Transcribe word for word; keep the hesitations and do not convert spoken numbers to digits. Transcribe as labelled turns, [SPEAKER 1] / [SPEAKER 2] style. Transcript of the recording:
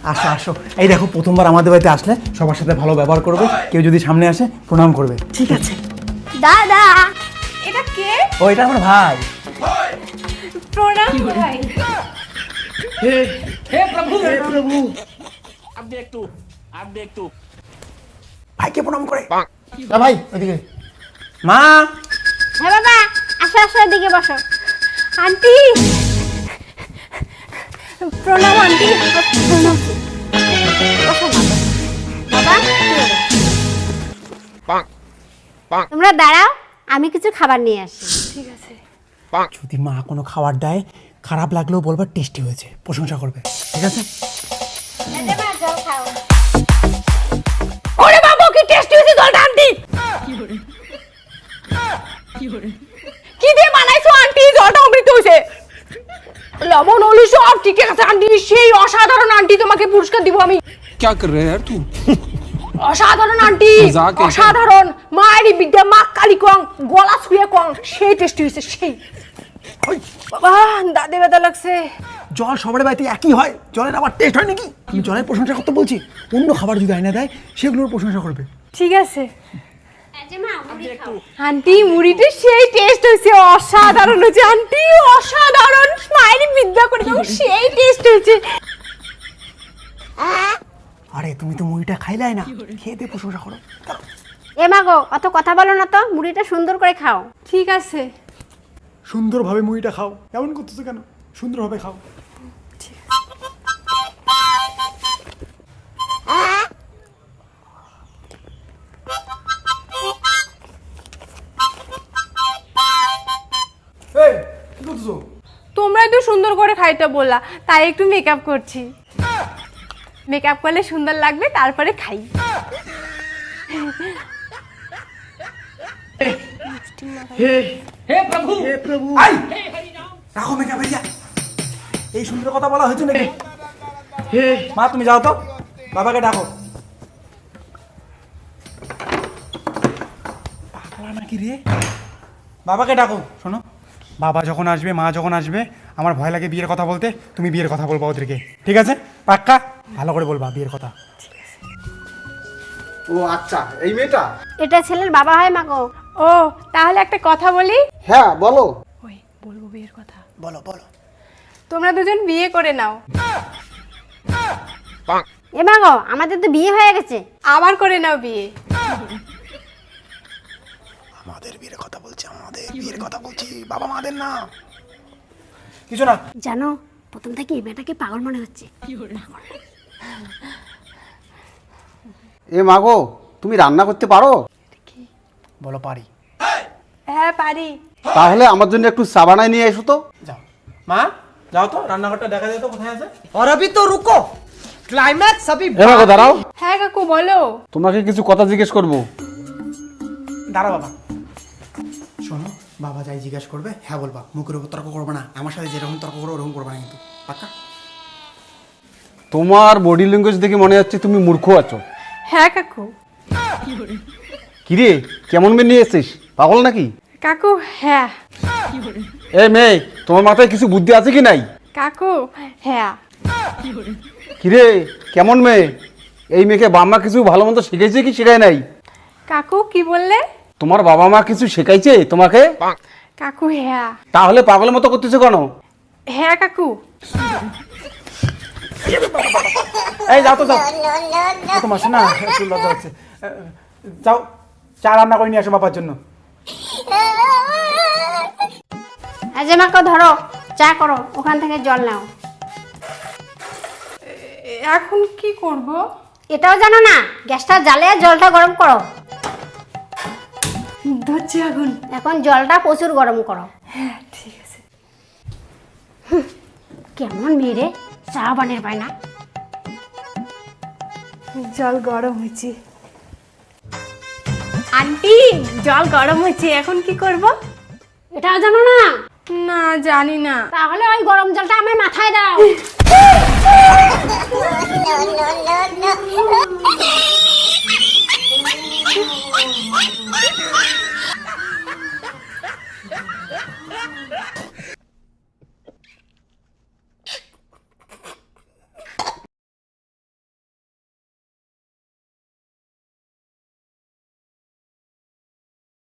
[SPEAKER 1] আসো আসো। এই দেখো, প্রথমবার আমাদের বাড়িতে আসলে সবার সাথে ভালো ব্যবহার করবে, কেউ যদি সামনে আসে প্রণাম করবে। ঠিক আছে?
[SPEAKER 2] দাদা, এটা কে?
[SPEAKER 1] ও, এটা আমার ভাই।
[SPEAKER 2] প্রণাম ভাই।
[SPEAKER 3] हे हे प्रभु
[SPEAKER 1] হে প্রভু।
[SPEAKER 3] अब देख तू अब देख तू
[SPEAKER 1] ভাইকে প্রণাম করে। না ভাই, ওইদিকে। মা,
[SPEAKER 2] হ্যাঁ বাবা, আসো আসো, এদিকে বসো। আন্টি, প্রণাম আন্টি। প্রণাম। বসো বাবা। বাবা, তোমরা দাঁড়াও, আমি কিছু খাবার নিয়ে আসি। ঠিক আছে।
[SPEAKER 1] যদি মা কোনো খাবার দেয়, খারাপ লাগলেও বলবার টেস্টি হয়েছে, প্রশংসা করবে। ঠিক আছে?
[SPEAKER 2] ওরে বাবা, কি টেস্টি হয়েছে জলটা আন্টি। কি দিয়ে বানাইছো আন্টি? জলটা অমৃত হয়েছে। লবণ হলুদ সব ঠিক আছে আন্টি, সেই অসাধারণ আন্টি, তোমাকে পুরস্কার দিব আমি।
[SPEAKER 3] क्या कर रहे है यार तू
[SPEAKER 2] অসাধারণ আন্টি,
[SPEAKER 3] মজাক এসে।
[SPEAKER 2] অসাধারণ। মায়েরই বিদ্যা, মা কালী কং, গলা ছুঁয়ে কং, সেই টেস্টি হয়েছে সেই। বাবা, দাঁতে ব্যথা লাগছে।
[SPEAKER 1] জল সবার বাড়িতে একই হয়, জলের আবার টেস্ট হয় নাকি? তুমি জলের প্রশংসা করতে বলছি, অন্য খাবার যদি আইনা দেয় সেগুলোর প্রশংসা করবে।
[SPEAKER 2] ঠিক আছে আন্টি, মুড়িটা সেই টেস্ট হয়েছে, অসাধারণ হয়েছে আন্টি, অসাধারণ। মায়েরই বিদ্যা করে কং, সেই টেস্ট হয়েছে।
[SPEAKER 1] আরে তুমি তো মুড়িটা খাইলাই না, খেয়ে দিয়ে প্রশংসা করো।
[SPEAKER 2] এ মা গো, অত কথা বলো না তো, মুড়িটা সুন্দর করে খাও। ঠিক আছে।
[SPEAKER 1] সুন্দরভাবে মুড়িটা খাও। এমন করতেছো কেন? সুন্দরভাবে খাও। এই, কি করতেছো?
[SPEAKER 4] তোমরাই তো সুন্দর করে খাইতে বললা, তাই একটু মেকআপ করছি। মেকআপ করলে সুন্দর লাগবে, তারপরে খাই।
[SPEAKER 1] হে
[SPEAKER 3] हे प्रभु
[SPEAKER 1] হে প্রভু। আই, রাখো মেকআপ হয়ে যা। এই সুন্দর কথা বলা হয়েছে নাকি? হে মা, তুমি যাও তো, বাবাকে ডাকো। পাগলা নাকি রে? বাবাকে ডাকো। শোনো, বাবা যখন আসবে, মা যখন আসবে, আমার ভয় লাগে বিয়ের কথা বলতে, তুমি বিয়ের কথা বলবা ওদেরকে। ঠিক আছে? পাক্কা? ভালো করে বলবা বিয়ের কথা।
[SPEAKER 5] ও আচ্ছা, এই মেয়েটা?
[SPEAKER 2] এটা ছেলের বাবা হয় মা গো।
[SPEAKER 4] ও, তাহলে একটা কথা বলি।
[SPEAKER 5] হ্যাঁ বলো।
[SPEAKER 4] ওই বলবো বিয়ের কথা।
[SPEAKER 1] বলো বলো।
[SPEAKER 4] তোমরা দুজন বিয়ে করে নাও।
[SPEAKER 2] এ মা গো, আমাদের তো বিয়ে হয়ে গেছে।
[SPEAKER 4] আবার করে নাও বিয়ে।
[SPEAKER 1] আমাদের বিয়ের কথা বলছি, আমাদের বিয়ের কথা বলছি, বাবা মাদের না। কিছু না।
[SPEAKER 2] জানো, প্রথম থেকে এই মেয়েটাকে পাগল মনে হচ্ছে।
[SPEAKER 5] এ মাগো, তুমি রান্না করতে পারো?
[SPEAKER 1] বলো পারি।
[SPEAKER 4] হ্যাঁ পারি।
[SPEAKER 5] তাহলে আমার জন্য একটু চা বানায় নিয়ে এসো তো।
[SPEAKER 1] যাও মা, যাও তো, রান্নাঘরটা দেখা যায় তো কোথায় আছে।
[SPEAKER 6] और अभी तो रुको, क्लाइमैक्स अभी।
[SPEAKER 5] এ মাগো দাঁড়াও,
[SPEAKER 4] হ্যাঁ কাকু বলো।
[SPEAKER 5] তোমাকে কিছু কথা জিজ্ঞেস করবো।
[SPEAKER 1] দাঁড়া বাবা। শোনো, বাবা যাই জিজ্ঞাসা করবে হ্যাঁ বলবা, মুখের উপর তর্ক করবে না। আমার সাথে যেরকম তর্ক করো ওরকম করবে না কিন্তু, পাক্কা?
[SPEAKER 5] তোমার বডি ল্যাঙ্গুয়েজ দেখে মনে হচ্ছে তুমি মূর্খ আছো।
[SPEAKER 4] হ্যাঁ কাকু।
[SPEAKER 5] কিরে, কেমন মেয়ে নিয়ে এসেছিস? পাগল নাকি?
[SPEAKER 4] কাকু হ্যাঁ।
[SPEAKER 5] এ মেয়ে, তোমার মাথায় কিছু বুদ্ধি আছে কি নাই?
[SPEAKER 4] কাকু হ্যাঁ।
[SPEAKER 5] কিরে, কেমন মেয়ে? এই মেয়েকে বাবা মা কিছু ভালো মন্দ শিখাইছে কি শেখায় নাই?
[SPEAKER 4] কাকু কি বললে?
[SPEAKER 5] তোমার বাবা মা কিছু শেখাইছে তোমাকে?
[SPEAKER 4] কাকু হ্যাঁ।
[SPEAKER 5] তাহলে পাগলের মতো করতেছো কেন?
[SPEAKER 4] হ্যাঁ কাকু।
[SPEAKER 1] এই যাও তো, যাও। তোমার শোনা একটু লজ্জা হচ্ছে। যাও, চা রান্না করে নিয়ে আসো বাবার জন্য।
[SPEAKER 2] এই যে মাকে ধরো, চা করো, ওখান থেকে জল নাও।
[SPEAKER 4] এখন কি করব?
[SPEAKER 2] এটাও জানো না? গ্যাসটা জ্বালিয়ে জলটা গরম করো।
[SPEAKER 4] ধরছি আগুন।
[SPEAKER 2] এখন জলটা প্রচুর গরম করো।
[SPEAKER 4] হ্যাঁ ঠিক আছে।
[SPEAKER 2] কেমন মেয়ে রে, চা বানের পায় না।
[SPEAKER 4] জল গরম হয়েছে। আন্টি, জল গরম হয়েছে, এখন কি করব?
[SPEAKER 2] এটাও জানো না?
[SPEAKER 4] না জানি না।
[SPEAKER 2] তাহলে ওই গরম জলটা আমার মাথায় দাও।